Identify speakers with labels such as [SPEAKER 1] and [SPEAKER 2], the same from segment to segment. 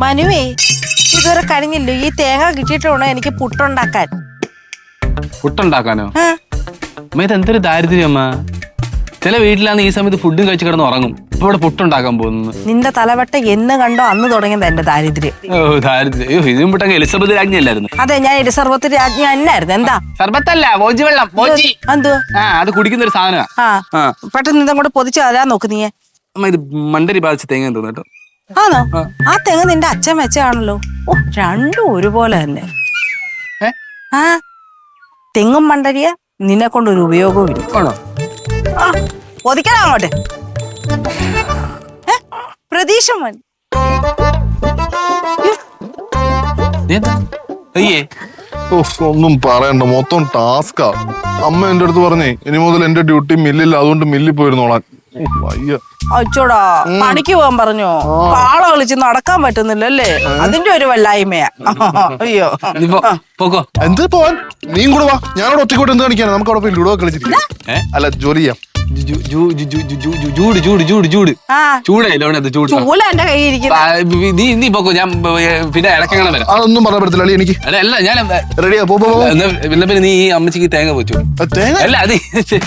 [SPEAKER 1] മനുവേ ഇതുവരെ കഴിഞ്ഞില്ലോ. ഈ തേങ്ങ കിട്ടിയിട്ട് വേണോ എനിക്ക് പുട്ടുണ്ടാക്കാൻ.
[SPEAKER 2] പുട്ടുണ്ടാക്കാനോ? അമ്മ ഇത് എന്തൊരു ദാരിദ്ര്യം അമ്മ. ചില വീട്ടിലാന്ന് ഈ സമയത്ത് ഫുഡും കഴിച്ച് കിടന്ന് ഉറങ്ങും. ഇപ്പൊ ഇവിടെ പുട്ടുണ്ടാക്കാൻ പോകുന്നു.
[SPEAKER 1] നിന്റെ തലവട്ട എന്ന് കണ്ടോ അന്ന് തുടങ്ങിയത് എന്റെ ദാരിദ്ര്യം.
[SPEAKER 2] ഓ ദാരിദ്ര്യം. ഇതിനും പുട്ടൊക്കെ എലിസബത്ത് രാജ്ഞി അല്ലായിരുന്നു?
[SPEAKER 1] അതെ, ഞാൻ എലിസബത്ത് രാജ്ഞി എന്നായിരുന്നു. എന്താ
[SPEAKER 2] സർബത്തല്ല, മോജി വെള്ളം.
[SPEAKER 1] എന്തുവാ?
[SPEAKER 2] അത് കുടിക്കുന്ന ഒരു സാധനമാണ്.
[SPEAKER 1] പെട്ടെന്ന് ഇതങ്ങോട്ട് പൊതിച്ച് തരാൻ നോക്ക് നീയെ.
[SPEAKER 2] അമ്മ ഇത് മണ്ടരി ബാധിച്ച തേങ്ങ തോന്നു കേട്ടോ.
[SPEAKER 1] ആണോ? ആ തെങ്ങ് നിന്റെ അച്ഛൻ വെച്ചാണല്ലോ. ഓ, രണ്ടും ഒരുപോലെ തന്നെ. ആ തെങ്ങും മണ്ടരിയ നിന്നെ കൊണ്ടൊരു ഉപയോഗവും ഇല്ല. ആ പൊതിക്കണം അങ്ങോട്ട്. പ്രതീക്ഷ
[SPEAKER 3] ഒന്നും പറയണ്ട, മൊത്തം ടാസ്കാ. അമ്മ എന്റെ അടുത്ത് പറഞ്ഞേ ഇനി മുതൽ എന്റെ ഡ്യൂട്ടി മില്ലില്ല, അതുകൊണ്ട് മില്ലിൽ പോയിരുന്നോളാൻ.
[SPEAKER 1] അച്ചോടാ, പണിക്ക് പോകാൻ പറഞ്ഞോ? കാള കളിച്ച് നടക്കാൻ പറ്റുന്നില്ലല്ലേ? അതിന്റെ ഒരു വല്ലായ്മയാ. അയ്യോ
[SPEAKER 3] എന്ത് പോവാൻ? നീയും കൂടെ വാ. ഞാനവിടെ ഒറ്റക്കോട്ട് എന്ത് കാണിക്കാനാ? നമുക്ക് അവിടെ പോയി ലുഡോ കളിച്ചിരിക്കാം. അല്ല, ജോലി ചെയ്യാം.
[SPEAKER 2] പിന്നെ ഇടയ്ക്കങ്ങനെ വരാം.
[SPEAKER 3] അതൊന്നും പറയാൻ പറ്റത്തില്ല എനിക്ക്.
[SPEAKER 2] അല്ല ഞാൻ
[SPEAKER 3] റെഡിയാ.
[SPEAKER 2] പിന്നെ നീ ഈ അമ്മച്ചിക്ക് തേങ്ങ വെച്ചു. അല്ല അത്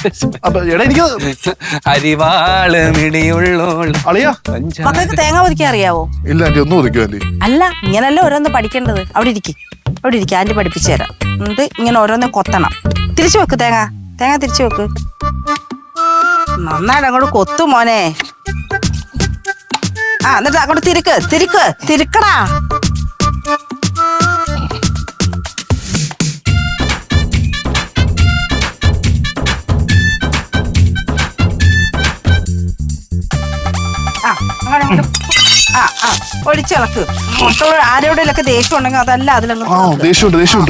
[SPEAKER 1] മക്കൾക്ക് തേങ്ങ ഒതുക്കാൻ അറിയാവോ?
[SPEAKER 3] ഇല്ല ആന്റി, ഒന്നും ഒതുക്കോ ആന്റി?
[SPEAKER 1] അല്ല, ഇങ്ങനല്ലേ ഓരോന്ന് പഠിക്കേണ്ടത്. അവിടെ ഇരിക്കും, ആന്റി പഠിപ്പിച്ചു തരാം. എന്നിട്ട് ഇങ്ങനെ ഓരോന്ന് കൊത്തണം. തിരിച്ചു വെക്ക് തേങ്ങ തിരിച്ചു വെക്ക്. നന്നായിട്ട് അങ്ങോട്ട് കൊത്തു മോനെ. എന്നിട്ട് അങ്ങോട്ട് തിരിക്കടാ. ഒഴിച്ചിളക്ക്. ആരോടെയൊക്കെ ദേഷ്യം ഉണ്ടെങ്കിൽ അതല്ല അതിലങ്ങ്
[SPEAKER 3] ദേഷ്യമുണ്ട്.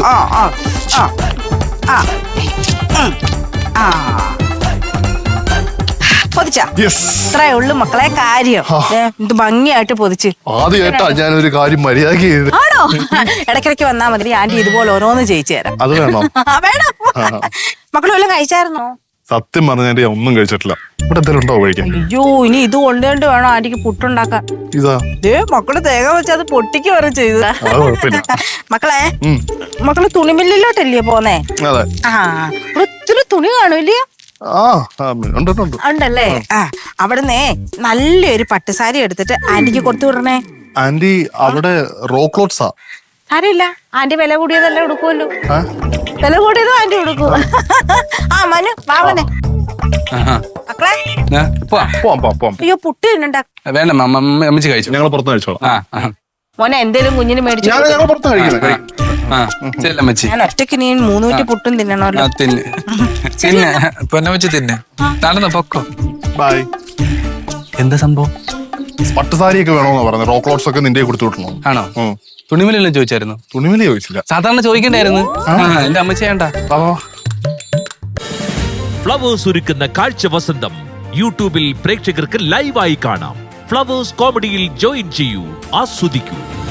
[SPEAKER 1] പൊതിച്ച ഇത്രേ ഉള്ളു മക്കളെ കാര്യം. ഇത് ഭംഗിയായിട്ട് പൊതിച്ച്.
[SPEAKER 3] ആദ്യമായിട്ടാ ഞാനൊരു കാര്യം മര്യാദക്ക് ചെയ്ത്.
[SPEAKER 1] ആണോ? ഇടയ്ക്കിടയ്ക്ക് വന്നാ മതി, ആന്റി ഇതുപോലെ ഓരോന്ന് ചെയ്യിച്ചു തരാം.
[SPEAKER 3] അത് വേണോ?
[SPEAKER 1] വേണം. മക്കൾ വല്ലതും കഴിച്ചായിരുന്നോ?
[SPEAKER 3] സത്യം പറഞ്ഞ ഒന്നും കഴിച്ചിട്ടില്ല. ഇവിടെ എന്തെങ്കിലും ഉണ്ടോ കഴിക്കാൻ?
[SPEAKER 1] അയ്യോ, ഇനി ഇത് കൊണ്ടുകൊണ്ട് വേണോ ആന്റിക്ക് പുട്ടുണ്ടാക്കാൻ. മക്കള് തേങ്ങ വെച്ച് അത് പൊട്ടിക്ക് വരെ ചെയ്ത. മക്കളെ തുണിമില്ലിലോട്ടല്ലേ പോന്നേ? ഒത്തിരി തുണി കാണൂല്ലയോ? ഉണ്ടല്ലേ? അവിടുന്ന് നല്ലൊരു പട്ടുസാരി എടുത്തിട്ട് ആന്റിക്ക് കൊടുത്തു വിടണേ.
[SPEAKER 3] ആന്റി അവിടെ റോ ക്ലോത്ത്സാ.
[SPEAKER 1] സാരില്ല, ആന്റി വില കൂടിയതല്ലേ ഉടുക്കുമല്ലോ. വില കൂടിയതും ആന്റി ഉടുക്കും. മനു വാവനെ മക്കളെ അയ്യോ പുട്ട് തിന്നണ്ട.
[SPEAKER 2] വേണ്ട അമ്മച്ചി കഴിച്ചു.
[SPEAKER 3] ഞങ്ങൾ പുറത്ത് കഴിച്ചോളാം.
[SPEAKER 1] മോനെ എന്തേലും കുഞ്ഞിന് മേടിച്ചു. ഞാൻ ഒറ്റയ്ക്ക് നീ 300 പുട്ടും തിന്നണല്ലോ.
[SPEAKER 2] നടന്നോ പൊക്കോ.
[SPEAKER 3] ബൈ.
[SPEAKER 2] എന്താ സംഭവം?
[SPEAKER 3] പട്ടുസാരിയൊക്കെ വേണോന്നാ പറഞ്ഞത്. റോ ക്ലോത്ത്സ് ഒക്കെ നിന്റെ കൊടുത്തു വിട്ടണോ?
[SPEAKER 2] ആണോ? തുണിമലെല്ലാം ചോദിച്ചായിരുന്നു?
[SPEAKER 3] തുണിമല ചോദിച്ചില്ല.
[SPEAKER 2] സാധാരണ ചോദിക്കണ്ടായിരുന്നു. എന്റെ അമ്മച്ചി വേണ്ട.
[SPEAKER 4] ഫ്ലവേഴ്സ് ഒരുക്കുന്ന കാഴ്ച വസന്തം യൂട്യൂബിൽ പ്രേക്ഷകർക്ക് ലൈവായി കാണാം. ഫ്ലവേഴ്സ് കോമഡിയിൽ ജോയിൻ ചെയ്യൂ, ആസ്വദിക്കൂ.